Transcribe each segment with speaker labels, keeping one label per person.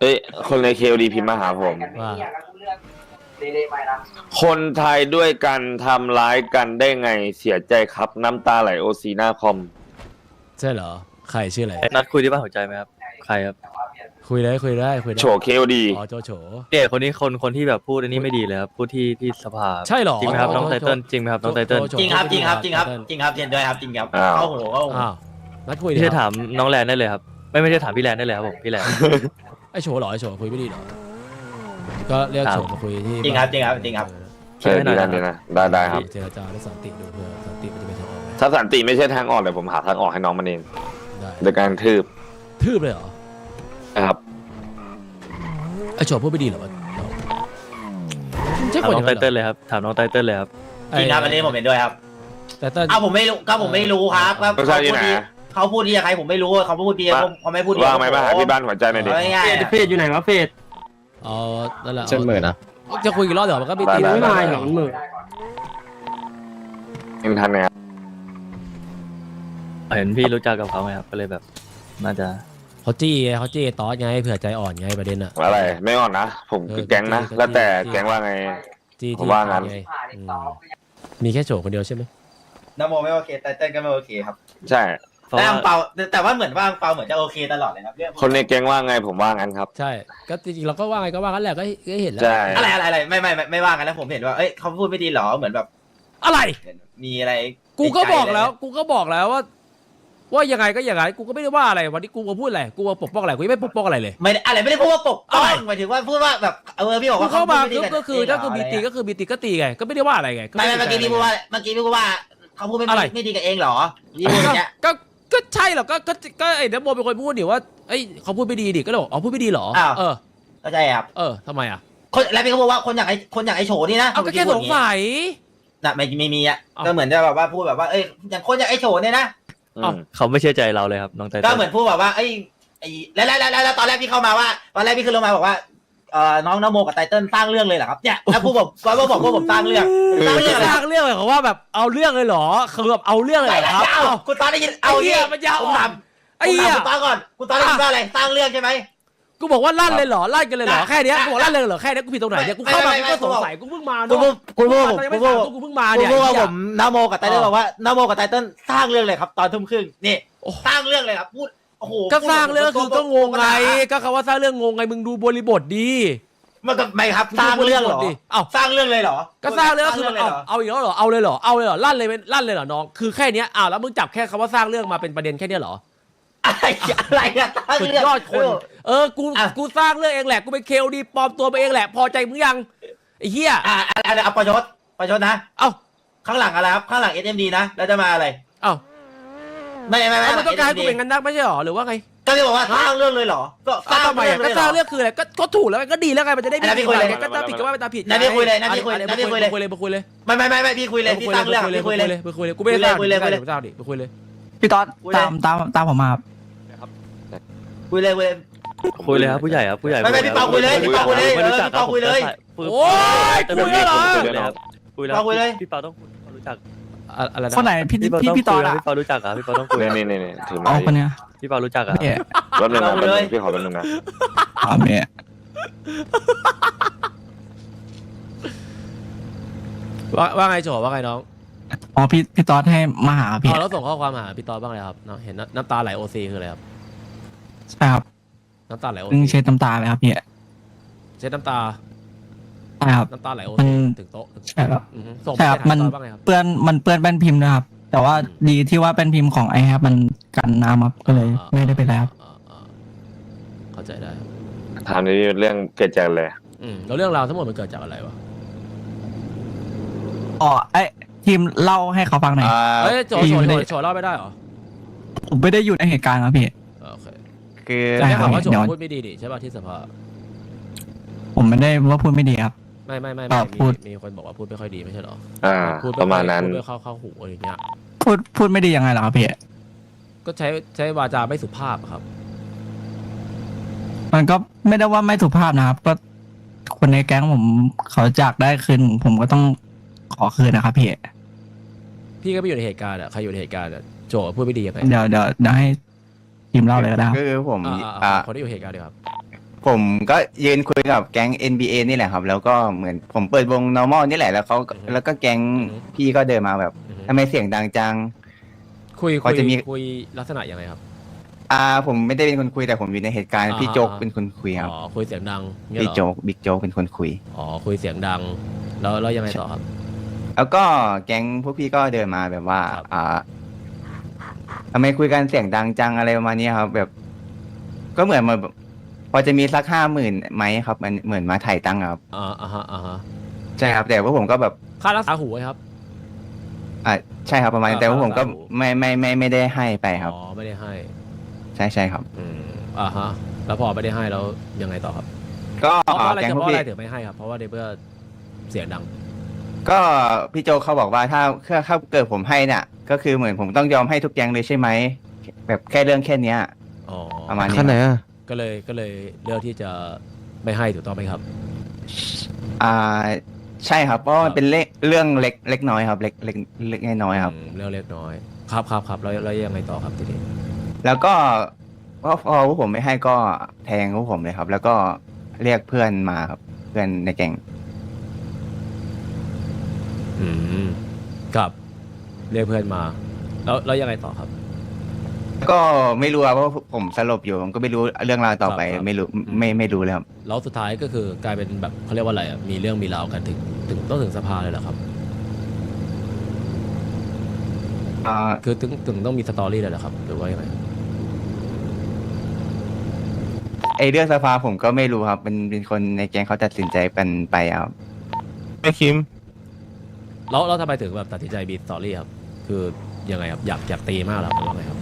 Speaker 1: เอ้ยคนในเคดีพิมพ์มาหาผม
Speaker 2: ว่า
Speaker 1: คนไทยด้วยกันทำร้ายกันได้ไงเสียใจครับน้ำตาไหลโอซีหน้าคอม
Speaker 2: ใช่เหรอใครชื่ออะไร
Speaker 3: นัดคุยที่บ้านหัวใจไหมครับใครครับ
Speaker 2: คุยได้คุยได้คุยได้
Speaker 1: โฉเคดี
Speaker 2: อ๋อโจโฉ
Speaker 3: เนี่ยคนนี้คนที่แบบพูดอันนี้ไม่ดีเลยครับพูดที่สภา
Speaker 2: ใช่เหรอ
Speaker 3: จริงไหมครับน้องไตเติ้ลจริงไหมครับน้องไตเติ้ล
Speaker 2: โจ
Speaker 4: จริงครับจริงครับจริงครับจริงครับเห็นด้วยครับจริงครับ
Speaker 1: อ้าว
Speaker 4: เข้าหูเข้าหู
Speaker 2: อ้าวนัดคุยดิ
Speaker 3: ไม่ใช่
Speaker 2: ครับ
Speaker 3: ถามน้องแลนได้เลยครับไม่ใช่ถามพี่แลนได้เลยครับผมพี่แลน
Speaker 2: ไอโฉเหรอไอโฉคุยไม่ดีเหรอก็เรียก
Speaker 3: ครับ
Speaker 2: โฉมาคุยที่
Speaker 4: จริงครับจริงครับจริงครับ
Speaker 1: ใช่ดีนะได้ครับ
Speaker 2: เจรจาและสันติดูเพื่อสันติมันจะเป็นทางออกไหม
Speaker 1: ถ้าสันติไม่ใช่ทางออกเดี๋ยวผมหาทางออกให้น้องมันเอง
Speaker 2: ได้
Speaker 1: โดยการทืบ
Speaker 2: ทืบเลยเหรอ
Speaker 1: นะครับ
Speaker 2: ไอโฉพูดไม่ดีเหรอวะน้องใช่
Speaker 3: ถาม
Speaker 2: คนอ
Speaker 3: น้อย่าง งไต
Speaker 2: นั้นเหร
Speaker 3: เติ้
Speaker 2: อ
Speaker 3: ลเลยครับถามน้องไตเติ้ลเลยครับ
Speaker 4: จริงครับอันนี้ผมเห็นด้วยครับ
Speaker 2: แต่เต้น
Speaker 4: อ้าวผมไม่รู้ก็ผมไม่รู้ครับว่า
Speaker 1: ก็ใช่ที่ไหน
Speaker 4: เขาพูดดีกับใครผมไม่รู้เขาพูดดีเขาไม่พูดดี
Speaker 1: ว่างไหมมาหาที่บ้านหัวใจหน่อยดิ
Speaker 4: เอาง่ายๆ
Speaker 5: เฟดอยู่ไหนวะเฟด
Speaker 2: เอานั่นแหละ
Speaker 6: เช่นหมื่นนะ
Speaker 2: จะคุยกี่รอบเดี๋ยวมันก็มีตี
Speaker 1: ได้
Speaker 5: ไม่มาหรอกหมื่น
Speaker 1: ยังทันเนี่ย
Speaker 3: เห็นพี่รู้จักกับเขาไงครับก็เลยแบบน่าจะ
Speaker 2: เขาจี้ไงเขาจี้ตอสไงเผื่อใจอ่อนไงประเด็นอะ
Speaker 1: อะไรไม่อ่อนนะผมคือแก๊งนะแล้วแต่แก๊งว่าไง
Speaker 2: จี้
Speaker 1: ผมว่างั้น
Speaker 2: ไอืมมีแค่โฉคนเดียวใช่ไหม
Speaker 4: น้ำโมไม่โอเคไตเติ้ลก็ไม่โอเคครับ
Speaker 1: ใช่
Speaker 3: เพราะ
Speaker 4: แต่
Speaker 3: ว่า
Speaker 4: อังเปาแต่ว่าเหมือนว่าอังเปาเหมือนจะโอเคตลอดเลยครับเรื่อง
Speaker 1: คนในแก๊งว่าไงผมว่างั้นครับ
Speaker 2: ใช่ก็จริงๆเราก็ว่าไงก็ว่ากันแหละก็เห็นแล้ว
Speaker 1: ใช่
Speaker 4: อะไรไม่ว่ากันแล้วผมเห็นว่าเอ้ยเขาพูดไม่ดีหรอเหมือนแบบ
Speaker 2: อะไร
Speaker 4: มีอะไร
Speaker 2: กูก็บอกแล้วว่ายังไงก็อย่างไรกูก็ไม่ได้ว่าอะไรวันนี้กูมาพูดอะไรกูมาปกป้องอะไรกูยังไม่ปกป้องอะไรเลย
Speaker 4: ไม่ได้พูดว่าปกป้องหมายถึงว่าพูดว่าแบบพี่บอก
Speaker 2: กู
Speaker 4: ว่า
Speaker 2: เข้ามา
Speaker 4: พูดไดี
Speaker 2: ก็คือถ้าคือมีตีก็คือมีตีก็ตีไงก็ไม่ได้ว่าอะไรไง
Speaker 4: ไม่เมื่อกี้พี่พูดว่าเขาพูดไม่ดีกับเองเหรอพี่พูดอย่างเงี้ย
Speaker 2: ก็ใช่หรอกก็ไอ้น้ำโมเป็นคนพูดดิว่าเอ้ยเขาพูดไม่ดีดิก็เลยบอกอ๋อพูดไม่ดีเหรอเออ
Speaker 4: เข้าใจครับ
Speaker 2: ทำไมอ่ะ
Speaker 4: คนแล้วพี่ก็บอกว่าคนอย่างไอ้โฉนี่นะ
Speaker 2: เอาก็แค่สงสัย
Speaker 4: น่ะไม่มีอ่ะ
Speaker 2: เอา
Speaker 4: ก็เหมือนจะแบบว่าพูดแบบว่าเอ้ยอย่างคนอย่างไอ้โฉเนี่ยนะ
Speaker 1: อืม
Speaker 3: เขาไม่เชื่อใจเราเลยครับน้องไต
Speaker 4: ก็
Speaker 3: เติ้ล
Speaker 4: เหมือนพูดแบบว่าไอ้แล้วตอนแรกพี่เข้ามาว่าตอนแรกพี่ขึ้นลงมาบอกว่าน้องนโมกับไตเติ้ลสร้างเรื่องเลยเหรอครับเนี่ยแล้วพูดบอกว่าผมสร้างเรื่องสร้างเรื่องอะไร
Speaker 2: สร้างเรื่องเลยเขาว่าแบบเอาเรื่องเลยเหรอคือแบบเอาเรื่องเลยเหรอครับ
Speaker 4: เอาคุณตอนได้ยินเอา
Speaker 2: ไอ้เหี้ยมันยาว
Speaker 4: ผมถาม
Speaker 2: ไอ้เหี้ย
Speaker 4: คุณตอนก่อนคุณตอนได้ยินว่าอะไรสร้างเรื่องใช่ไหม
Speaker 2: กูบอกว่าลั่นเลยเหรอลั่นกันเลยเหรอแค่เนี้ยกูบอกลั่นเลยเหรอแค่เนี้ยกูผิดตรงไหนเนี่ยกูเข้ามากูก็สงสัยกูเพิ่งมา
Speaker 4: คุณ
Speaker 2: เนาะ
Speaker 4: พูดผม
Speaker 2: กูเพิ่งมาเนี่ย
Speaker 4: พูดว่าผมนโมกับไตเติ้ลบอกว่านโมกับไตเติ้ลสร้างเรื่องเลยครับ ตอนทุ่มครึ่งนี่สร้างเรื่องเลยครับพูดโอ้โห
Speaker 2: ก็สร้างเรื่องคือก็งงไงก็คำว่าสร้างเรื่องงงไงมึงดูบริบทดี
Speaker 4: มันก็ไม่ครับสร้างเรื่องเหรอ
Speaker 2: เอ้า
Speaker 4: สร้างเรื่องเลยเหรอ
Speaker 2: ก็สร้างเรื่องก็คือ
Speaker 4: เลยเหรอ
Speaker 2: เอาอีกแล้วเหรอเอาเลยเหรอเอาเลยเหรอลั่นเลยเหรอน้องคือแค่เนี้ยอ้าวแล้วมึงจับแค่คำว่าสร้างเรื่องมาเป็นประเด็นแค่เนี้ยเหรอ
Speaker 4: อะไรอะสร้าง
Speaker 2: สุด
Speaker 4: เรื่อง
Speaker 2: ยอดคนกูสร้างเรื่องเองแหละกูเป็นเคลดีปลอมตัวไปเองแหละพอใจมึงยังไอ้เหี้ย
Speaker 4: อะไรเอาประชดนะ
Speaker 2: เอ้า
Speaker 4: ข้างหลังอะไรครับข้างหลัง SMD นะแล้วจะมาอะไร
Speaker 2: เอ้า
Speaker 4: ไม่
Speaker 2: เอามึงต้องการให้กูเป็นงั้นนักไม่ใช่หรอหรือว่าไง
Speaker 4: ก็จะบอกว่าสร้างเรื่องเลยเหรอก็สร้าง
Speaker 2: ทำไม
Speaker 4: เรื่อง
Speaker 2: ก็
Speaker 4: เลย
Speaker 2: ส
Speaker 4: เหร
Speaker 2: ร้าง
Speaker 4: อ
Speaker 2: เรื่องคืออะไรก็ถูกแล้วก็ดีแล้วไงมันจะได้
Speaker 4: อันนั้นพี่คุยเลย
Speaker 2: ก็ตามผิดก็ว่าไปตามผิด
Speaker 4: นั่นพี่คุยเลยนั่นพี่คุยเลย
Speaker 2: คุยเลยคุยเลย
Speaker 4: ไม่พี่คุยเลยพี่สร้างเรื่องพี่คุยเลย
Speaker 2: คุยเลยกูไม่ได้สร้าง
Speaker 4: คุยเลย
Speaker 2: ไม่ได้สร้างดิคุยเลย
Speaker 5: พี่ต๊อด
Speaker 4: คุยเลย
Speaker 5: ตามผมมาครับ
Speaker 4: คุยเลย
Speaker 3: คุยเลยครับผู้ใหญ่ครับผู้ใหญ่
Speaker 4: ไม่พี่เปาคุยเลยพี่เปาคุยเลย
Speaker 3: ไม่รู้จัก
Speaker 4: พี่เปาคุยเลย
Speaker 2: โอ้ยคุยแล้วเหรอ
Speaker 3: คุยเลยครับคุยแล้ว
Speaker 4: เปาคุยเลย
Speaker 3: พี่เปาต้องคุยเขารู้จัก
Speaker 2: อะไรนะ
Speaker 5: คนไหนพี่ต๊อดอ่ะ
Speaker 3: พี่เปารู้จักอ่ะพี่เปาต้องคุย
Speaker 1: นี่ถือ
Speaker 5: อ๋
Speaker 1: ไม้
Speaker 5: อคนเนี้ย
Speaker 3: พี่เปารู้จักอ่ะ
Speaker 5: เนี่ย
Speaker 1: รถหนึ่งนะพี่ขอรถหนึ่งนะ
Speaker 5: อ๋อเนี่ย
Speaker 2: ว่าไงโจว่าไงน้อง
Speaker 5: อ๋อพี่ต๊อดให้มาหาพี่
Speaker 2: แล้วส่งข้อความหาพี่ตอบ้างเลยครับเนาะเห็นน้ำตาไหลโอซีคืออะไรครับ
Speaker 5: ใช่ครับ
Speaker 2: น้ำตาไหลโอ
Speaker 5: เพิ่ง
Speaker 2: ซี
Speaker 5: เช็ดน้ำตาเลยครับพี่
Speaker 2: เช็ดน้ำตา
Speaker 5: ใช่ครับ
Speaker 2: น้ำตาไหลโอ
Speaker 5: มั
Speaker 2: ซี
Speaker 5: น
Speaker 2: ถึงโต๊ะ
Speaker 5: ใช่ครับ
Speaker 2: ส่ง
Speaker 5: ใช่ครับ
Speaker 2: ไป
Speaker 5: มัน
Speaker 2: หาตอบ้างเลยครับ
Speaker 5: เปื้อนแป้นพิมพ์นะครับ แต่ว่าดีที่ว่าแป้นพิมพ์ของไอแฮปมันกันน้ำครับก็เลยไม่ได้เป็นไรครับ
Speaker 2: เข้าใจได้ครับ
Speaker 1: ถามนี้เรื่องเกิดจากอะไร
Speaker 2: แล้วเรื่องราวทั้งหมดมันเกิดจากอะไรวะ
Speaker 5: อ๋อไอทีมเล่าให้เขาฟังหน่อย
Speaker 2: เฮ้ยโจ
Speaker 5: พี่ไม่ได้
Speaker 2: เล่าไม่ได้เหรอ
Speaker 5: ผมไม่ได้อยู่ในเหตุการณ์ครับพี่
Speaker 2: โอเค
Speaker 6: คือ
Speaker 5: ใช่
Speaker 2: ได้
Speaker 5: ครั
Speaker 2: ข่า
Speaker 5: บ
Speaker 2: วว่าโจ
Speaker 5: เดี๋ยว
Speaker 2: พูดไม่ดีดิใช่ป่ะที่สภา
Speaker 5: ผมไม่ได้ว่าพูดไม่ดีครับ
Speaker 2: ไม่
Speaker 5: พูด
Speaker 2: มีคนบอกว่าพูดไม่ค่อยดีไม่ใช่เหรอ พูด
Speaker 1: ประมาณนั้น
Speaker 2: พูดไม่เข้าหูอะไรอย่างเงี้ย
Speaker 5: พูดไม่ดียังไงเหรอครับพี่
Speaker 2: ก็ใช้วาจาไม่สุภาพครับ
Speaker 5: มันก็ไม่ได้ว่าไม่สุภาพนะครับ ก็คนในแก๊งผมเขาจากได้คืนผมก็ต้องขอคืนนะครับพี่
Speaker 2: พี่ก็ไม่อยู่ในเหตุการณ์อ่ะใครอยู่ในเหตุการณ์อ่ะโจพูดไม่ดียังไง
Speaker 5: เดี๋ยวให้ทีมเล่าเลยก็ได้ครับ
Speaker 6: ก็คือผม
Speaker 2: คนที่อยู่ในเหตุการณ์เดียวครับ
Speaker 6: ผมก็ยืนคุยกับแก๊ง NBA นี่แหละครับ แล้วก็เหมือนผมเปิดวง normal นี่แหละแล้วเขาแล้วก็แก๊งพี่ก็เดินมาแบบทำไมเสียงดังจัง
Speaker 2: คุย
Speaker 6: พอจะมี
Speaker 2: คุยลักษณะยังไงครับ
Speaker 6: ผมไม่ได้เป็นคนคุยแต่ผมอยู่ในเหตุการณ์พี่โจ๊กเป็นคนคุยครับ
Speaker 2: อ๋อคุยเสียงดังเนี่ย
Speaker 6: พี่
Speaker 2: เหรอ
Speaker 6: โจ๊กบิ๊กโจ๊กเป็นคนคุย
Speaker 2: อ๋อคุยเสียงดัง แล้วยังไงต่อครับ
Speaker 6: แล้วก็แก๊งพวกพี่ก็เดินมาแบบว่า
Speaker 2: ครับ
Speaker 6: ทำไมคุยกันเสียงดังจังอะไรประมาณนี้ครับ แบบ ก็เหมือนมาพอจะมีสัก50,000ไหมครับ มันเหมือนมาถ่ายตังค์ครับ
Speaker 2: อ่าฮะ
Speaker 6: ใช่ครับ แต่ว่าผมก็แบบ
Speaker 2: ค่ารักษาหูไหมครับ
Speaker 6: ใช่ครับประมาณนี้แต่ว่าผมก็
Speaker 2: ค่ารักษาหู
Speaker 6: ไม่ได้ให้ไปครับ
Speaker 2: อ๋อไม่ได้ให้
Speaker 6: ใช่ครับ
Speaker 2: อ่าฮะแล้วพอไม่ได้ให้แล้วยังไงต่อครับ
Speaker 6: ก็
Speaker 2: เพราะอะไร
Speaker 6: แก๊ง
Speaker 2: เพ
Speaker 6: พวก
Speaker 2: ราะอะ
Speaker 6: พี่
Speaker 2: ไรถึงไม่ให้ครับ เพราะว่าในเพื่อเสียงดัง
Speaker 6: ก็พี่โจเขาบอกว่าถ้าเกิดผมให้เนี่ยก็คือเหมือนผมต้องยอมให้ทุกแก๊งเลยใช่ไหมแบบแค่เรื่องแค่เนี้ย
Speaker 2: อ๋อ
Speaker 6: ประมาณนี้
Speaker 7: ขั้นไหนอ่ะ
Speaker 2: ก็เลยเลือกที่จะไม่ให้ถูกต้องไหมครับ
Speaker 6: ใช่ครับเพราะมันเป็นเรื่องเล็กน้อยครับเล็กน้อยครับ
Speaker 2: เรื่องเล็กน้อยครับแล้วยังไงต่อครับทีนี้
Speaker 6: แล้วก็พอพวกผมไม่ให้ก็แทงพวกผมเลยครับ แล้วก็เรียกเพื่อนมาครับ เพื่อนในแก๊ง
Speaker 2: ครับเรียกเพื่อนมา แล้วยังไงต่อครับ
Speaker 6: ก็ไม่รู้ครับเพราะผมสลบอยู่ผมก็ไม่รู้เรื่องราวต่อไป
Speaker 2: ครับ
Speaker 6: ไม่รู้ไม่รู้เลยครับ
Speaker 2: แล้วสุดท้ายก็คือกลายเป็นแบบเขาเรียกว่าอะไรอ่ะมีเรื่องมีราวกันถึงต้องถึงสภาเลยเหรอครับ คือถึงต้องมีสตอรี่เลยเหรอครับหรือว่ายังไง
Speaker 6: ไอเรื่องสภาผมก็ไม่รู้ครับเป็นคนในแก๊งเขาตัดสินใจกันไปครับ
Speaker 7: ไม่คิม
Speaker 2: แล้วทำไมถึงแบบตัดสินใจมีสตอรี่ครับคือยังไงครับอยากตีมากเหรอหรือว่าไงครับ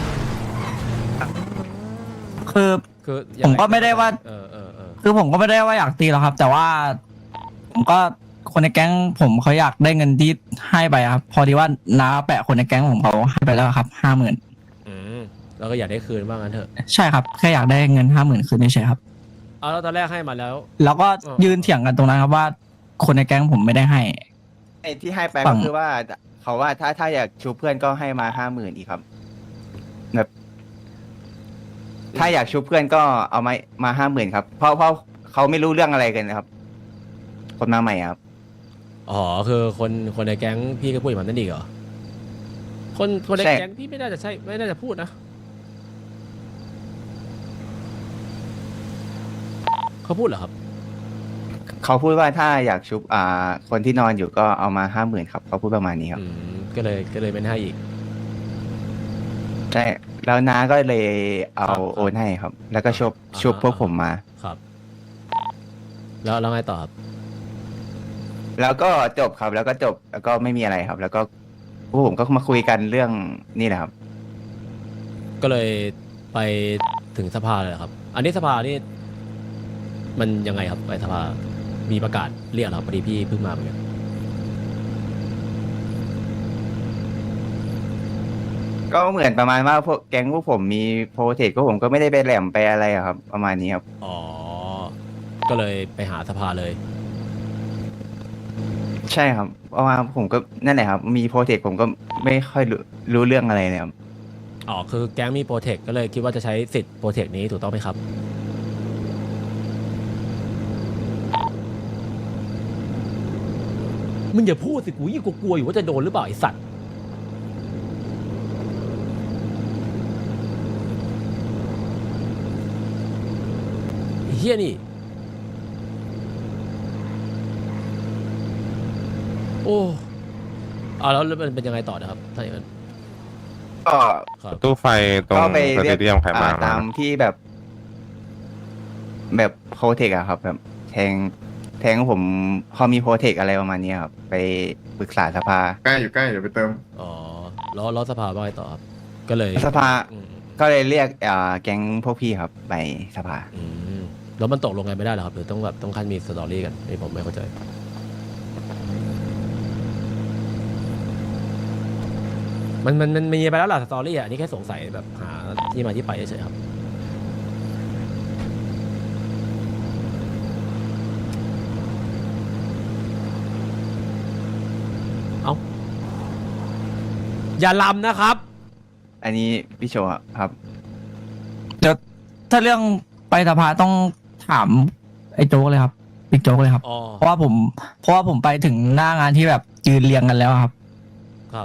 Speaker 5: คือ
Speaker 2: ยัง
Speaker 5: ผม
Speaker 2: ง
Speaker 5: ก็ไม่ได้ว่า
Speaker 2: เออ
Speaker 5: คือผมก็ไม่ได้ว่าอยากตีหรอกครับ แต่ว่าผมก็คนในแก๊งผมเขาอยากได้เงินที่ให้ไปครับ พอดีว่าน้าแปะคนในแก๊งผมเขาให้ไปแล้วครับ50,000
Speaker 2: แล้วก็อยากได้คืนบ้างงั้นเถอะ
Speaker 5: ใช่ครับแค่อยากได้เงิน50,000คืนเฉยๆครับ
Speaker 2: เอาแล้วตอนแรกให้มาแล้ว
Speaker 5: แล้วก็ยืนเถียงกันตรงนั้นครับว่า คนในแก๊งผมไม่ได้ให้
Speaker 6: ไอ้ที่ให้ไป
Speaker 5: ฝั่
Speaker 6: ก็
Speaker 5: ง
Speaker 6: คือว่าเขาว่าถ้าอยากชูเพื่อนก็ให้มา50,000อีกครับแบบถ้าอยากชูเพื่อนก็เอามา50,000ครับเพราะเขาไม่รู้เรื่องอะไรกันนะครับ คนมาใหม่ครับ
Speaker 2: อ๋อคือคนในแก๊งพี่ก็พูดอย่างนั้นอีกเหรอคนใน
Speaker 6: ใช่
Speaker 2: แก๊งพี่ไม่น่าจะพูดนะเขาพูดเหรอครับ
Speaker 6: เขาพูดว่าถ้าอยากชุบคนที่นอนอยู่ก็เอามา50,000ครับเขาพูดประมาณนี้ครับ
Speaker 2: ก็เลยไม่ให้อีก
Speaker 6: ใช่แล้วน้าก็เลยเอา
Speaker 2: ครับ
Speaker 6: โอนให้ครับ แล้วก็ชุบพวกผมมา
Speaker 2: ครับ แล้วไงต่อครับ
Speaker 6: แล้วก็จบครับ แล้วก็จบแล้วก็ไม่มีอะไรครับ แล้วก็พวกผมก็มาคุยกันเรื่องนี่แหละครับ
Speaker 2: ก็เลยไปถึงสภาเลยเหรอครับ อันนี้สภานี่มันยังไงครับไปสภามีประกาศเรียกเหรอครับพอดีพี่เพิ่งมาเหมือนกัน
Speaker 6: ก็เหมือนประมาณว่าพวกแก๊งพวกผมมีโปรเทคพวกผมก็ไม่ได้ไปแหลมไปอะไรอะครับ ประมาณนี้ครับ
Speaker 2: อ๋อก็เลยไปหาสภาเลย
Speaker 6: ใช่ครับเพราะว่าผมก็นั่นแหละครับ มีโปรเทคผมก็ไม่ค่อยรู้เรื่องอะไรเลยครับ
Speaker 2: อ๋อคือแก๊งมีโปรเทคก็เลยคิดว่าจะใช้สิทธิ์โปรเทคนี้ถูกต้องไหมครับ มึงอย่าพูดสิกูยิ่งกลัวอยู่ว่าจะโดนหรือเปล่าไอสัตว์ไอ้เฮียนี่ โอ้แล้วมันเป็นยังไงต่อนะครับถ้าอย่างนั้น
Speaker 6: ก็
Speaker 2: ครับ
Speaker 7: ตู้ไฟตรง
Speaker 6: ก็ไป
Speaker 7: ส
Speaker 6: เรี
Speaker 7: เต
Speaker 6: ยก
Speaker 7: เดียมใครมา
Speaker 6: ตามที่แบบโปรเทคอะครับ แบบแทงผมพอมีโปรเทคอะไรประมาณนี้ครับ ไปปรึกษาสภา
Speaker 8: ใกล้อยู่ใกล้เดี๋ยวไปเติม
Speaker 2: อ๋อแล้วสภาว่าไงต่อครับ ก็เลย
Speaker 6: สภา
Speaker 2: อืม
Speaker 6: ก็เลยเรียกแก๊งพวกพี่ครับ ไปสภา
Speaker 2: อืมแล้วมันตกลงกันไม่ได้เหรอครับหรือต้องแบบต้องขั้นมีสตอรี่กันนี่ผมไม่เข้าใจมันมีไปแล้วล่ะสตอรี่อ่ะอันนี่แค่สงสัยแบบหาที่มาที่ไปเฉยๆครับเอาอย่าลำนะครับ
Speaker 6: อันนี้พี่โชว์ครับ
Speaker 5: เดี๋ยวถ้าเรื่องไปสภาต้องถามไอ้โจ๊กเลยครับบิ๊กโจ๊กเลยครับ
Speaker 2: อ๋อ
Speaker 5: เพราะว่าผมไปถึงหน้างานที่แบบยืนเรียงกันแล้วครับ
Speaker 2: ครับ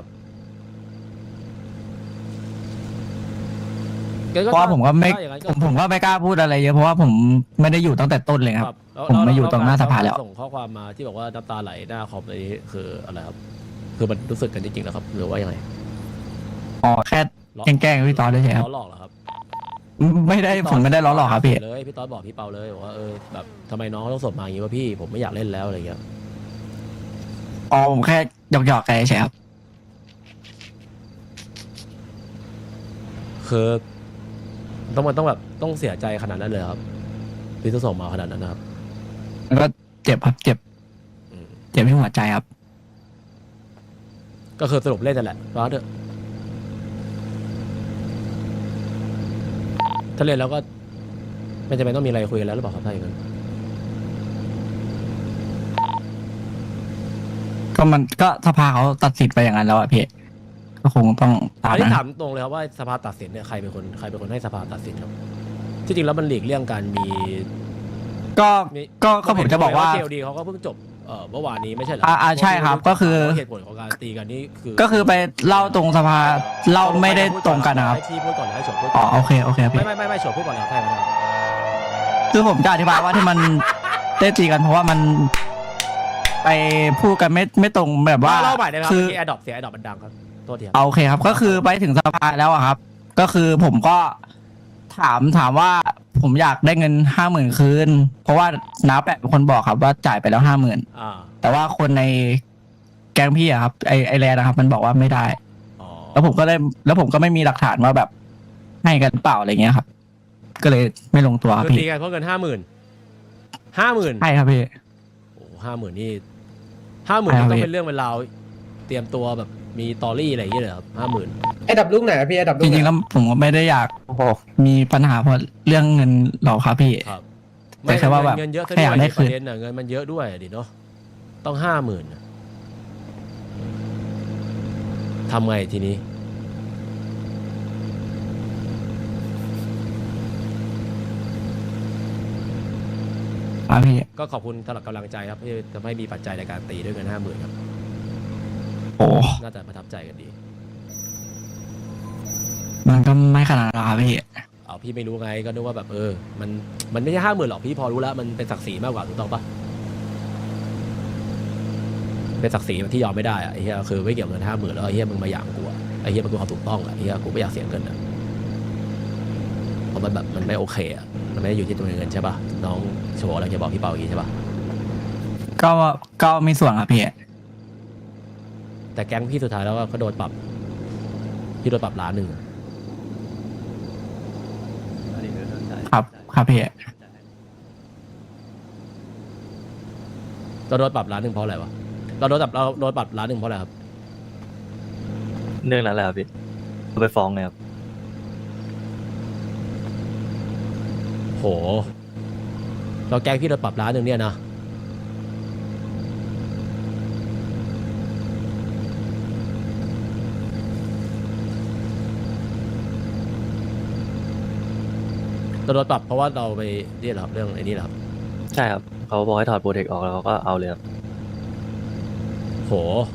Speaker 5: เพราะว่าผมก็ไม่
Speaker 2: ถ้าอย่างนั้น
Speaker 5: ผมก็ไม่กล้าพูดอะไรเยอะเพราะว่าผมไม่ได้อยู่ตั้งแต่ต้นเลยครับ
Speaker 2: แล้ว
Speaker 5: ผมมาอยู่ตรงหน้าสภาแล้ว
Speaker 2: ส่งข้อความมาที่บอกว่าน้ำตาไหลหน้าคอมอะไรนี้คืออะไรครับ คือมันรู้สึกกันจริงๆแล้วครับ หรือว่ายังไง
Speaker 5: อ๋อแค่แกล้งๆพี่ตอนได้ใช่ครับ
Speaker 2: ล้อหลอกเหรอครับ
Speaker 5: ไม่ได้ผมไม่ได้ล้อหลอกครับพี่
Speaker 2: เลยพี่ต๊อดบอกพี่เปาเลยบอกว่าแบบทำไมน้องเขาต้องส่งมาอย่างนี้วะพี่ผมไม่อยากเล่นแล้วอะไรเงี้ย
Speaker 5: อ๋อผมแค่หยอกๆแกใช่ครับ
Speaker 2: คือมันต้องแบบต้องเสียใจขนาดนั้นเลยเหรอครับพี่ต้องส่งมาขนาดนั้นนะครับ
Speaker 5: มันก็เจ็บครับเจ็บ
Speaker 2: อืม
Speaker 5: เจ็บที่หัวใจครับ
Speaker 2: ก็คือสรุปเล่นนั่นแหละร้อนเถอะถ้าเล่นแล้วก็ไม่จำเป็นต้องมีอะไรคุยกันแล้วหรือเปล่าครับถ้าอย่างนั้น
Speaker 5: ก็มันก็สภาเขาตัดสินไปอย่างนั้นแล้วอะพี่ก็คงต้องตาม
Speaker 2: อันนี้
Speaker 5: นั้น
Speaker 2: ถามตรงเลยครับว่าสภาตัดสินเนี่ยใครเป็นคนให้สภาตัดสินครับที่จริงแล้วมันหลีกเลี่ยงการมี
Speaker 5: ก็ผมจะบอกว่า
Speaker 2: เจลดีเขาก็เพิ่งจบเมื่อวานนี้ไม่ใช่เหรอ
Speaker 5: ใช่ครับก็คือ
Speaker 2: เหตุผลของการตีกันนี่คือ
Speaker 5: ก็คือไปเล่าตรงสภาเล่าไม่ได้ตรงกันนะครับ
Speaker 2: ให้พี่พูดก่อนให้โฉมพูด
Speaker 5: อ๋
Speaker 2: ก่
Speaker 5: อ
Speaker 2: อน
Speaker 5: โอเคโอเคครับพี่
Speaker 2: ไม่โฉมพูดก่อนแล้วใช่ไหมครับ
Speaker 5: คือผมจะอธิบายว่าที่มันได้ตีกันเพราะว่ามันไปพูดกันไม่ตรงแบบว่า
Speaker 2: เล่าใหม่ได้ไหมครับ
Speaker 5: คือ
Speaker 2: เมื่อกี้แอดดอปเสียงแอดดอปมันดังครับโทษทีครับ
Speaker 5: โอเคครับ ก็คือไปถึงสภาแล้วอะครับ ก็คือผมก็ถามว่าผมอยากได้เงิน50,000คืนเพราะว่าน้าแปะเป็นคนบอกครับว่าจ่ายไปแล้ว50,000
Speaker 2: อ่า
Speaker 5: แต่ว่าคนในแก๊งพี่อะครับไอแลนด์นะครับ มันบอกว่าไม่ได้
Speaker 2: อ๋อ
Speaker 5: แล้วผมก็ไม่มีหลักฐานว่าแบบให้กันเปล่าอะไรเงี้ยครับ ก็เลยไม่ลงตัวครับ
Speaker 2: คือตี
Speaker 5: พี่
Speaker 2: กันเพราะเงิน50,000
Speaker 5: ใช่ครับพี่
Speaker 2: โอ้50,000นี่50,000
Speaker 5: ใช่ครับ
Speaker 2: ต้องเป็นเรื่องเป็นราวเตรียมตัวแบบมีตอรี่อะไรอย่างเงี้ยเลยครับ50,000
Speaker 7: ไอ้ดับลูกไหนอะพี่ไอ้ดับลู
Speaker 5: จ
Speaker 7: กไหน
Speaker 5: ริงๆแล้วผมก็ไม่ได้อยากมีปัญหาเพราะเรื่องเงินหรอกครับพี่
Speaker 2: ครับ
Speaker 5: แต่แค่ว่าแบบ
Speaker 2: เงินเยอะซะ
Speaker 5: แค่
Speaker 2: ด้
Speaker 5: อยากได้
Speaker 2: วย
Speaker 5: คื
Speaker 2: ป
Speaker 5: น
Speaker 2: ระเด็นน่ะเงินมันเยอะด้วยดิเนาะต้อง50,000น่ะทำไงทีนี้
Speaker 5: ครับพี่
Speaker 2: ก็ขอบคุณสำหรับกำลังใจครับที่ทำให้มีปัจจัยในการตีด้วยเงิน50,000ครับ
Speaker 5: โอ้
Speaker 2: น่าจะประทับใจกันดี
Speaker 5: มันก็ไม่ขนาดนั้นหรอกครับพี่
Speaker 2: เอาพี่ไม่รู้ไงก็นึกว่าแบบมันไม่ใช่50,000หรอกพี่พอรู้แล้วมันเป็นศักดิ์ศรีมากกว่าถูกต้องปะเป็นศักดิ์ศรีที่ยอมไม่ได้อะไอ้เหี้ยคือไม่เกี่ยวกับเงิน50,000แล้วไอ้เหี้ยมึงมาหยามกูอะไอ้เหี้ยมันคือความถูกต้องอะไอ้เหี้ยกูไม่อยากเสียเงินอะเพราะมันแบบมันไม่โอเคอะมันไม่ได้อยู่ที่ตัวเงินใช่ปะน้องโชว์อะไรจะบอกพี่เปาอย่างงี้ใช่ปะ
Speaker 5: ก็มีส่วนครับพี่
Speaker 2: แต่แก๊งพี่สุดท้ายแล้วก็โดนปรับพี่โดนปรับ1,000,000
Speaker 3: อันนี้คือเข้าใจ
Speaker 5: ครับพี่
Speaker 2: เราโดนปรับ1,000,000เพราะอะไรวะเราโดนปรับ1,000,000เพราะอะไรครับ
Speaker 3: เรื่องนั้นแหละครับพี่เอาไปฟ้องเลยครับ
Speaker 2: โหเราแก๊งพี่โดนปรับ1,000,000เนี่ยนะเราโดนปรับเพราะว่าเราไปนี่เหรอครับเรื่องไอ้นี่เหรอครับ
Speaker 3: ใช่ครับเขาบอกให้ถอดโปรเทคออกแล้วเขาก็เอาเลยครับ
Speaker 2: โห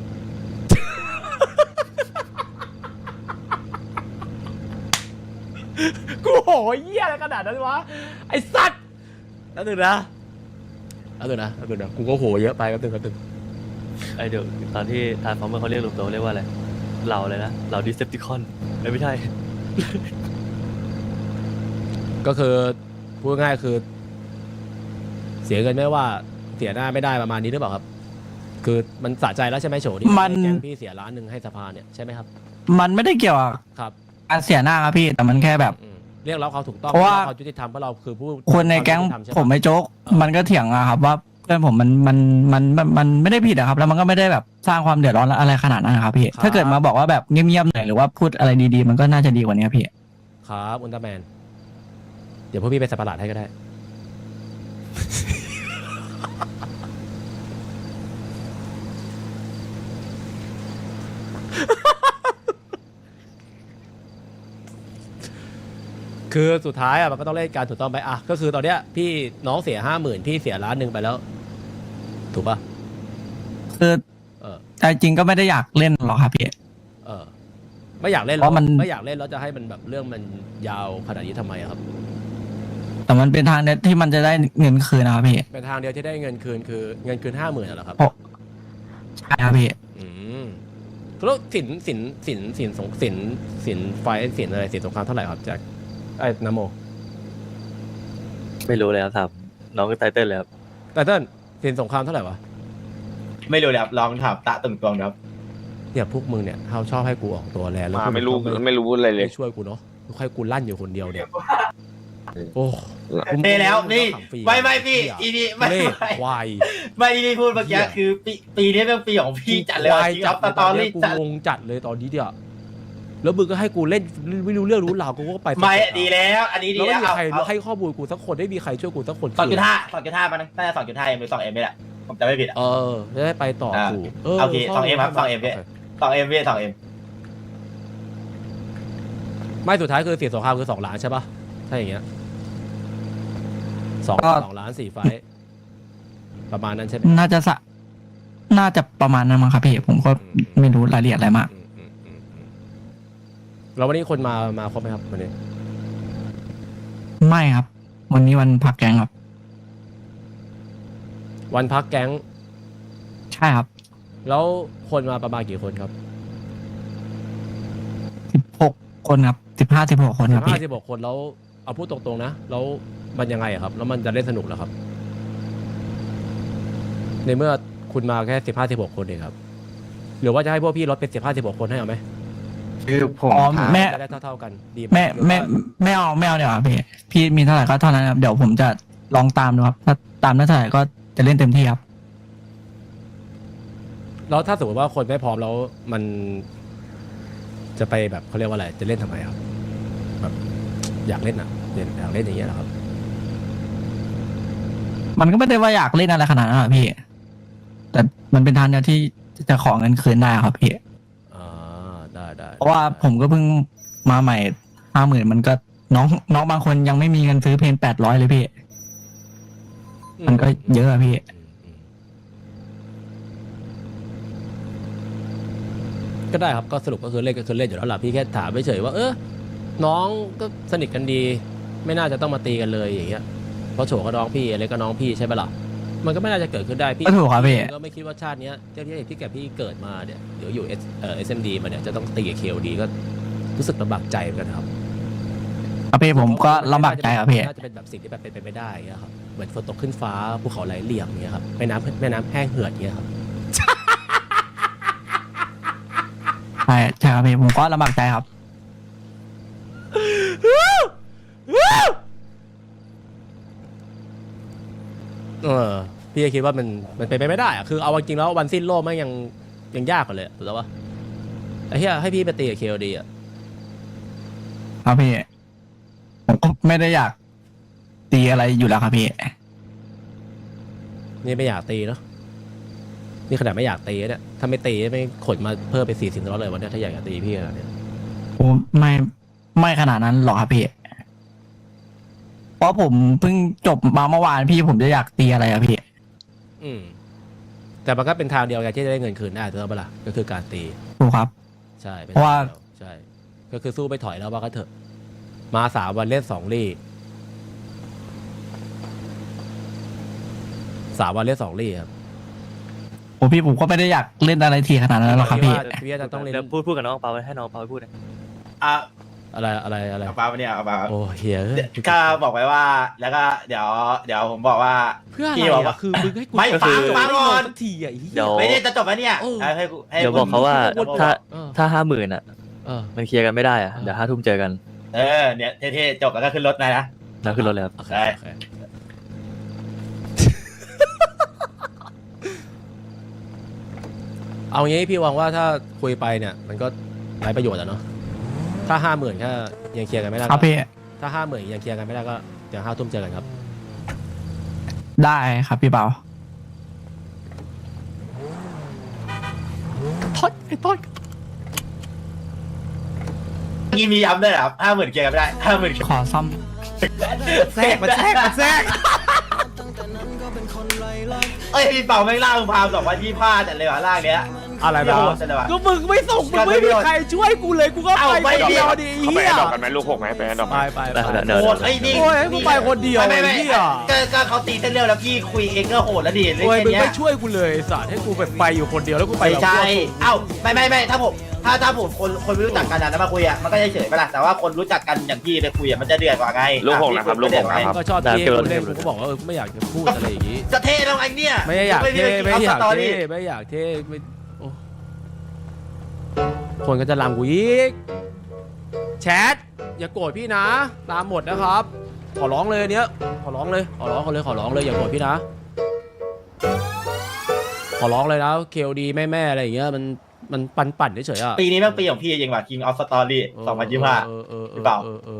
Speaker 2: กูโหเหี้ยอะไรขนาดนั้นวะ ไอ้สัตว์แล้วนึงนะกูก็โหเยอะไปแป๊บนึง
Speaker 3: ไอเดี๋ยวตอนที่ทานฟอร์เมอร์เขาเรียกรวมตัวเรียกว่าอะไรเราเลยนะเราดิเซปติคอนไม่ใช่
Speaker 2: ก็คือพูดง่ายๆคือ เสียเงินไม่ว่าเสียหน้าไม่ได้ประมาณนี้หรือเปล่าครับ คือมันสะใจแล้วใช่ไหมโฉที่
Speaker 5: มัน
Speaker 2: ให้แก๊งพี่เสีย1,000,000ให้สภาเนี่ยใช่ไหมครับ
Speaker 5: มันไม่ได้เกี่ยวกับ
Speaker 2: ครับ
Speaker 5: การเสียหน้าครับพี่ แต่มันแค่แบบ
Speaker 2: เรียกร้องความถูกต้อง
Speaker 5: เพราะว่า
Speaker 2: เรียกร้องความยุติธรรมเพราะเราคือผู้
Speaker 5: คนในแก๊ง
Speaker 2: ความยุติธรรใช่ปะ
Speaker 5: ผมไม่โจ๊ก มันก็เถียงอะครับ ว่าเพื่อนผมมันไม่ได้ผิดอะครับ แล้วมันก็ไม่ได้แบบสร้างความเดือดร้อนอะไรขนาดนั้นนะครับพี่ ถ้าเกิดมาบอกว่าแบบเงียบๆหน่อยหรือว่าพูดอะไรดีๆ มันก็น่าจะดีกว่านี้ครับพี่
Speaker 2: ครับอุลตร้าแมน เดี๋ยวพวกพี่ไปสับประหลาดให้ก็ได้คือสุดท้ายอ่ะมันก็ต้องเล่นการถูกต้องไปอ่ะก็คือตอนเนี้ยพี่น้องเสีย50,000พี่เสีย1,000,000ไปแล้ว ถูกป่ะ
Speaker 5: คือ
Speaker 2: เออ
Speaker 5: ใจจริงก็ไม่ได้อยากเล่นหรอกครับพี่
Speaker 2: เออ ไม่อยากเล่น
Speaker 5: เพราะมัน
Speaker 2: ไม่อยากเล่นแล้วจะให้มันแบบเรื่องมันยาวขนาดนี้ทำไมอะครับ
Speaker 5: แต่มันเป็นทางเดียวที่มันจะได้เงินคืนนะครับพี่
Speaker 2: เป็นทางเดียวที่ได้เงินคืนคือเงินคืน50,000เหรอครับ
Speaker 5: เพราะใช่ครับพี่
Speaker 2: อืมแล้วสินไฟสินอะไรสินสงครามเท่าไหร่ครับแจ็คไอ้นโม
Speaker 3: ไม่รู้เลยครับถามน้องไตเติ้ลเลยครับ
Speaker 2: แต่เต้นสินสงครามเท่าไหร่วะ
Speaker 4: ไม่รู้เลยครับลองถามตะตึงตวงครับ
Speaker 2: เนี่ยพวกมึงเนี่ยเขาชอบให้กูออกตัวแรงแล้ว
Speaker 1: มา
Speaker 2: พวกง
Speaker 1: ไม่รู้
Speaker 2: ก็
Speaker 1: ไม่รู้อะไรเลย
Speaker 2: ไม่ช่วยกูเนาะค่อยกูลั่นอยู่คนเดียวเนี่ยโอ้
Speaker 4: เท่แล้วนี่ไม่พี่อีนี่ไม่
Speaker 2: เล่
Speaker 4: ไม่
Speaker 2: ควาย
Speaker 4: ไม่ที่พูดเมื่อกี้คือปีนี้เป็นปีของพี่จัดเลย
Speaker 2: ควาย
Speaker 4: จริงครับสตอรี่
Speaker 2: กู
Speaker 4: จัด
Speaker 2: งงจัดเลยตอนนี้เดียวแล้วมึงก็ให้กูเล่นไม่รู้เรื่องรู้ราวกูก็ไป
Speaker 4: ไม่ดีแล้ว อันนี้ดี
Speaker 2: แล้ว
Speaker 4: แล้
Speaker 2: ไม่
Speaker 4: ว
Speaker 2: มีใครให้ข้อมูลกูสักคนไม่มีใครช่วยกูสักคน
Speaker 4: 2.5มันน่าจะ2.5 M หรือ2M นี่แหละผมจำไม่ผิดอ่ะ
Speaker 2: เออจะได้ไปต่อถูก
Speaker 4: โอเค 2M ครับ 2M พี่ 2M พี่ 2M
Speaker 2: ไม่สุดท้ายคือเสียสงครามคือ2 ล้านใช่ปะถ้าอย่างเงี้ยสอง
Speaker 5: ก็
Speaker 2: ล้าน4 ไฟท์ประมาณนั้นใช่ไหม
Speaker 5: น่าจะประมาณนั้นมั้งครับพี่ ผมก็ไม่รู้รายละเอียดอะไรมาก
Speaker 2: แล้ววันนี้คนมาครบไหมครับวันนี้
Speaker 5: ไม่ครับ วันนี้วันพักแกงครับ
Speaker 2: วันพักแก๊ง
Speaker 5: ใช่ครับ
Speaker 2: แล้วคนมาประมาณกี่คนครับ
Speaker 5: 16 คนครับ15-16 คนครับพี่
Speaker 2: 16 คนแล้วเอาพูดตรงๆนะแล้วมันยังไงอะครับแล้วมันจะเล่นสนุกเหรอครับ ในเมื่อคุณมาแค่15-16 คนเองครับหรือว่าจะให้พวกพี่ลดเป็น15-16 คนให้เอาไหม
Speaker 6: คือผม
Speaker 5: อ๋อ
Speaker 6: ถาม
Speaker 5: แม่
Speaker 2: จะได้เท่าๆกันดีไห
Speaker 5: ไม่เอาเดี๋ยวครับพี่ พี่มีเท่าไหร่ก็เท่านั้นครับ เดี๋ยวผมจะลองตามดูครับ ถ้าตามได้เท่าไหร่ก็จะเล่นเต็มที่ครับ
Speaker 2: แล้วถ้าสมมติว่าคนไม่พร้อมแล้วมันจะไปแบบเขาเรียกว่าอะไรจะเล่นทำไมครับแบบอยากเล่นอ่ะอยากเล่นอย่างเงี้ยเหรอครับ
Speaker 5: มันก็ไม่ได้ว่าอยากเล่นอะไรขนาดนั้นหรอกพี่ แต่มันเป็นทางเดียวที่จะขอเงินคืนได้ครับพี่
Speaker 2: อ่าได้
Speaker 5: เพราะว่าผมก็เพิ่งมาใหม่50,000มันก็น้องบางคนยังไม่มีเงินซื้อเพลง800เลยพี่ มันก็เยอะอะพี่
Speaker 2: ก็ได้ครับก็สรุปก็คือเล่นก็คือเล่นอยู่แล้วล่ะพี่แค่ถามเฉยๆว่าน้องก็สนิทกันดี ไม่น่าจะต้องมาตีกันเลยอย่างเงี้ยเพราะโฉก็น้องพี่อะไรก็น้องพี่ใช่ปะล่ะมันก็ไม่น่าจะเกิดขึ้นได้พี่
Speaker 5: ก็ถูกครับพี่
Speaker 2: ก็ไม่คิดว่าชาติเนี้ยเจ้าที่แก่พี่เกิดมาเนี่ยเดี๋ยวอยู่SMD มาเนี่ยจะต้องตีกับ KOD ก็รู้สึกลำบากใจเหมือนกันครับ
Speaker 5: ครับพี่ผมก็ลำบากใจครับพี่
Speaker 2: น่าจะเป็นแบบสิ่งที่แบบเป็นไปไม่ได้อย่างเงี้ยครับเหมือนฝนตกขึ้นฟ้าภูเขาไหลเหลี่ยมอย่างเงี้ยครับแม่น้ำแห้งเหือดอย่างเงี้ยครับ
Speaker 5: ใช่ครับพี่ผมก็ลำบากใจครับ
Speaker 2: พี่ก็คิดว่ามันเป็นไปไม่ได้อะคือเอาจริงๆแล้ววันสิ้นโลกมันยังยากกว่าเลยถูกแล้วปะไอ้เหี้ยให้พี่ไปตีกับ KOD อ่ะ
Speaker 5: ครับพี่ ผมก็ไม่ได้อยากตีอะไรอยู่แล้วครับพี่
Speaker 2: นี่ไม่อยากตีเนาะนี่ขนาดไม่อยากตีเนี่ยถ้าไม่ตีไม่ขนมาเพิ่มไป40 ล้อเลยวันเนี้ยถ้าอยากจะตีพี่ขนาดเนี้ย
Speaker 5: ผมไม่ขนาดนั้นหรอกครับพี่ เพราะผมเพิ่งจบมาเมื่อวานพี่ผมจะอยากตีอะไรอะพี่
Speaker 2: แต่มันก็เป็นทางเดียวกันที่จะได้เงินคืนได้ถูกปะล่ะก็คือการตี
Speaker 5: ถูกครับ
Speaker 2: ใช่ป็น
Speaker 5: เพราะว่า
Speaker 2: ทงดียใช่ก็คือสู้ไปถอยแล้วว่าก็เถอะมา3 วันเล่น2 ลี่3 วันเล่น2 ลี่ครับ
Speaker 5: โอ้พี่ผมก็ไม่ได้อยากเล่นอะไรทีขนาดนั้นหรอกครับพี่
Speaker 2: พี่ว่าจะต้องเล่น
Speaker 3: เดี๋ยวพูดกับน้องเปาให้น้องเปาพูดนะ
Speaker 4: อ่ะ
Speaker 2: อะไร
Speaker 4: เอาปาเนี่ยเอาปา
Speaker 2: โอ้เฮีย
Speaker 4: ก็บอกไว้ว่า แล้วก็เดี๋ยวผมบอกว่า
Speaker 2: เพื่ออะไร
Speaker 4: พี่บอกว่า
Speaker 2: อะคือมึงให้กู
Speaker 4: ไม่ฟังก่อน
Speaker 2: สักทีอ่ะไอ้เหี้ย
Speaker 3: เดี๋ยว
Speaker 4: ไม่ได้จะจบแล้วเนี่ย
Speaker 2: เออ
Speaker 4: ให้
Speaker 3: เดี๋ยวบอกเขาว่า
Speaker 4: คุณ
Speaker 3: ถ้า50,000อ่ะ
Speaker 2: เออ
Speaker 3: มันเคลียร์กันไม่ได้อ่ะเดี๋ยว5 ทุ่มเจอกัน
Speaker 4: เนี่ยเท่ๆจบแล้วก็ขึ้นรถนะ
Speaker 3: แล้วขึ้นรถเลยครับ
Speaker 2: โอเค
Speaker 4: ได้
Speaker 2: โอเคเอางี้พี่หวังว่าถ้าคุยไปเนี่ยมันก็ไร้ประโยชน์อะเนาะถ้า50,000แค่ยังเคลียร์กันไม่ได้
Speaker 5: ครับ
Speaker 2: ก็
Speaker 5: พี่
Speaker 2: ถ้า50,000ยังเคลียร์กันไม่ได้ก็เดี๋ยว5 ทุ่มเจอกันครับ
Speaker 5: ได้ครับพี่เปา
Speaker 2: ทอดไอ้ทอด
Speaker 4: นี่มีย้ำด้วยเหรอครับ50,000เคลียร์กันไม่ได้50,000
Speaker 5: ขอซ่อม
Speaker 2: แทรกมาแทรกมาแทรก
Speaker 4: เอ้ยพี่เป่าไม่ล่ามึงพาม2025จัดเลยว่ะล่างเนี้ย
Speaker 2: อะไร
Speaker 4: พี่
Speaker 2: นะ
Speaker 4: โหดจัดเลยว่ะ
Speaker 2: ก็มึงไม่ส่งมึงไม่มีใครช่วยกูเลยกูก็
Speaker 4: เอ้า
Speaker 2: ไป
Speaker 4: ไม่
Speaker 2: คนเดียวดิ
Speaker 1: เขาไป
Speaker 2: เฮี
Speaker 1: แอย ดดอกกันไหมลูกหกไหมไปแอดดอก
Speaker 2: ไป
Speaker 1: ไหม
Speaker 2: ไป
Speaker 3: เดี๋ยว
Speaker 4: โหดไอ้นี่
Speaker 2: โอ้ยให้กูไปคนเดียว
Speaker 4: ไม่
Speaker 2: ไอ้เหี้ย
Speaker 4: ก็เขาตีเส้นเรื่องแล้วพี่คุยเองก็โหดแล้วดิเรื่อง
Speaker 2: โอ้ยมึง
Speaker 4: แค่เนี้
Speaker 2: ไม่
Speaker 4: ย
Speaker 2: ช่วยกูเลยสัตว์ให้กูแบบไปอยู่คนเดียวแล้วกูไป
Speaker 4: ไม่
Speaker 2: แบบ
Speaker 4: ใช่เอ้าไม่ถ้าผมถ้าผมคนไม่รู้จักกันนะแล้วมาคุยอ่ะมันก็จะเฉยไปละแต่ว่าคนรู้จักกันอย่างพี่ไปคุยอ่ะมันจะเดือดกว่าไง
Speaker 1: ลูกหกนะครับลูกหกนะครับ
Speaker 2: ก็ชอบเท่กูเล่นกูก็บอกว่ากูไม่อยากจะพูดอะไรอย่างงี้
Speaker 4: จะเท่แล้วไอ้เนี่ย
Speaker 2: ไม่อยากเท่ไม่อยาก
Speaker 4: ตอ
Speaker 2: เท่
Speaker 4: รี่
Speaker 2: ไม่อยากเท่ไม่โอ้คนก็จะรังกูอีกแชทอย่าโกรธพี่นะตามหมดนะครับ ขอร้องเลยอันเนี้ยขอร้องเลยขอร้องเขาเลยขอร้องเลยอย่าโกรธพี่นะขอร้องเลยนะเคลดีแม่อะไรอย่างเงี้ยมันปั่นเฉยๆอ่ะ
Speaker 4: ปีนี้แม่งปีของพี่จริงว่ะ King of Story 2025
Speaker 2: เออ
Speaker 4: หรือเปล่า
Speaker 2: เอ